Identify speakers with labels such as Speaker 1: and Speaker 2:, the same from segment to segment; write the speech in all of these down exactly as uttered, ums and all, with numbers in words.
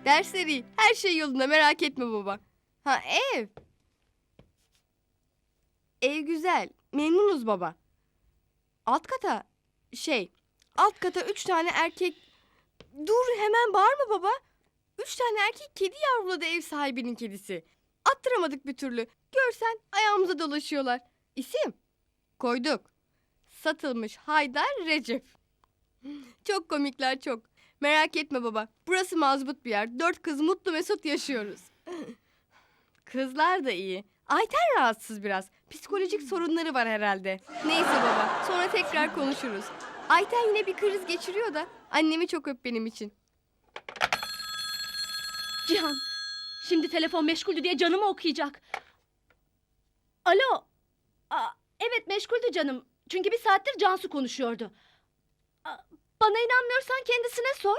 Speaker 1: Dersler iyi. Her şey yolunda, merak etme baba. Ha ev. Ev güzel. Memnunuz baba. Alt kata şey, alt kata üç tane erkek... Dur hemen bağırma baba. Üç tane erkek kedi yavruladı ev sahibinin kedisi. Attıramadık bir türlü. Görsen ayağımıza dolaşıyorlar. İsim? Koyduk. Satılmış Haydar Recep. Çok komikler çok. Merak etme baba. Burası mazbut bir yer. Dört kız mutlu mesut yaşıyoruz. Kızlar da iyi. Ayten rahatsız biraz. Psikolojik sorunları var herhalde. Neyse baba, sonra tekrar konuşuruz. Ayten yine bir kriz geçiriyor da annemi çok öp benim için.
Speaker 2: Cihan, şimdi telefon meşguldü diye canımı okuyacak. Alo. Aa, evet meşguldü canım. Çünkü bir saattir Cansu konuşuyordu. Aa, bana inanmıyorsan kendisine sor.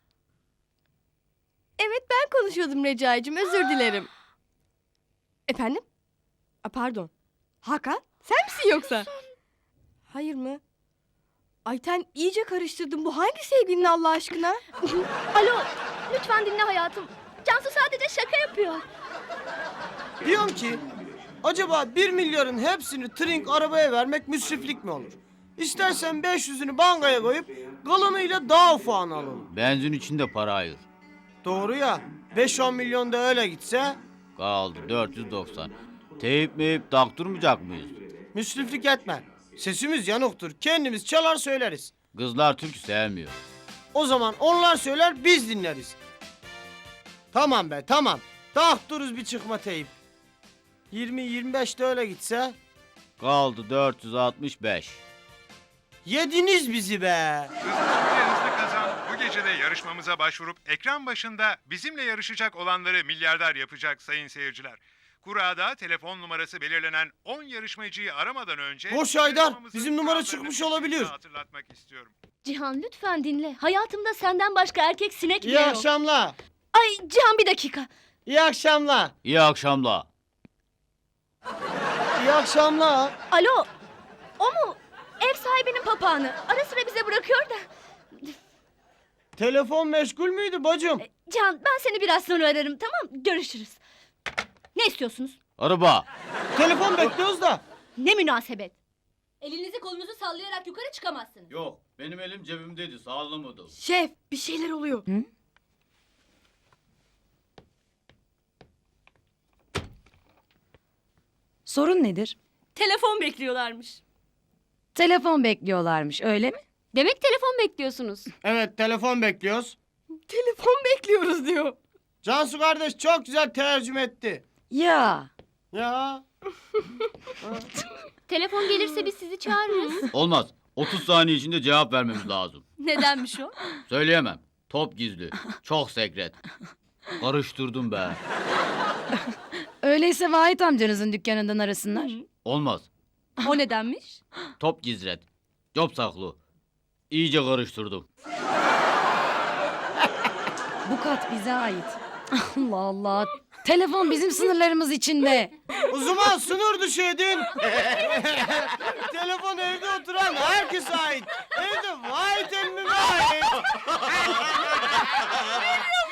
Speaker 1: Evet ben konuşuyordum Recai'cim, özür dilerim. Efendim? A, pardon. Hakan, sen misin yoksa? Hayır mı? Ayten iyice karıştırdım. Bu hangi sevgilin Allah aşkına?
Speaker 2: Alo, lütfen dinle hayatım. Cansu sadece şaka yapıyor.
Speaker 3: Diyorum ki acaba bir milyarın hepsini trink arabaya vermek müsriflik mi olur? İstersen beş yüzünü bankaya koyup kalanıyla daha ufağını alalım.
Speaker 4: Benzin için de para ayır.
Speaker 3: Doğru ya. beş on milyon da öyle gitse
Speaker 4: Kaldı dört yüz doksan. Teyip meyip taktırmayacak mıyız?
Speaker 3: müsriflik etme. Sesimiz yanıktır. Kendimiz çalar söyleriz.
Speaker 4: Kızlar türkü sevmiyor.
Speaker 3: O zaman onlar söyler biz dinleriz. Tamam be tamam. Taktırız bir çıkma teyip. yirmi yirmi beş de öyle gitse.
Speaker 4: Kaldı dört yüz altmış beş.
Speaker 3: Yediniz bizi be.
Speaker 5: Hızlı ve hızlı kazan bu gece de yarışmamıza başvurup ekran başında bizimle yarışacak olanları milyarder yapacak sayın seyirciler. Kura'da telefon numarası belirlenen on yarışmacıyı aramadan önce...
Speaker 3: Boş Haydar,
Speaker 5: yarışmamızın
Speaker 3: bizim numara
Speaker 5: kurallarını
Speaker 3: çıkmış
Speaker 5: bir
Speaker 3: olabilir.
Speaker 5: kez daha hatırlatmak istiyorum.
Speaker 2: Cihan lütfen dinle. Hayatımda senden başka erkek sinek bile
Speaker 3: İyi
Speaker 2: yok.
Speaker 3: akşamlar.
Speaker 2: Ay Cihan bir dakika.
Speaker 3: İyi akşamlar.
Speaker 4: İyi akşamlar.
Speaker 3: İyi akşamlar.
Speaker 2: Alo, o mu? Ev sahibinin papağanı. Ara sıra bize bırakıyor da.
Speaker 3: Telefon meşgul müydü bacım?
Speaker 2: Cihan ben seni biraz sonra ararım, tamam? Görüşürüz. Ne istiyorsunuz?
Speaker 4: Araba.
Speaker 3: Telefon bekliyoruz da.
Speaker 2: Ne münasebet? Elinizi kolunuzu sallayarak yukarı çıkamazsınız.
Speaker 4: Yok, benim elim cebimdeydi, sağlamadım.
Speaker 1: Şef, bir şeyler oluyor.
Speaker 6: Sorun nedir?
Speaker 2: Telefon bekliyorlarmış.
Speaker 6: Telefon bekliyorlarmış, öyle mi?
Speaker 2: Demek telefon bekliyorsunuz.
Speaker 3: Evet telefon bekliyoruz.
Speaker 1: Telefon bekliyoruz diyor.
Speaker 3: Cansu kardeş çok güzel tercüme etti.
Speaker 6: Ya,
Speaker 3: Ya.
Speaker 2: Telefon gelirse biz sizi çağırırız.
Speaker 4: Olmaz. otuz saniye içinde cevap vermemiz lazım.
Speaker 2: Nedenmiş o?
Speaker 4: Söyleyemem. Top gizli. Çok sekret. Karıştırdım be.
Speaker 6: öyleyse Vahit amcanızın dükkanından arasınlar.
Speaker 4: Olmaz.
Speaker 2: O nedenmiş?
Speaker 4: Top gizret. Job saklı. İyice karıştırdım.
Speaker 6: Bu kat bize ait. Allah Allah. Telefon bizim sınırlarımız içinde.
Speaker 3: O zaman sınır dışı edin. Telefon evde oturan herkese ait. Evde vay temmime ait.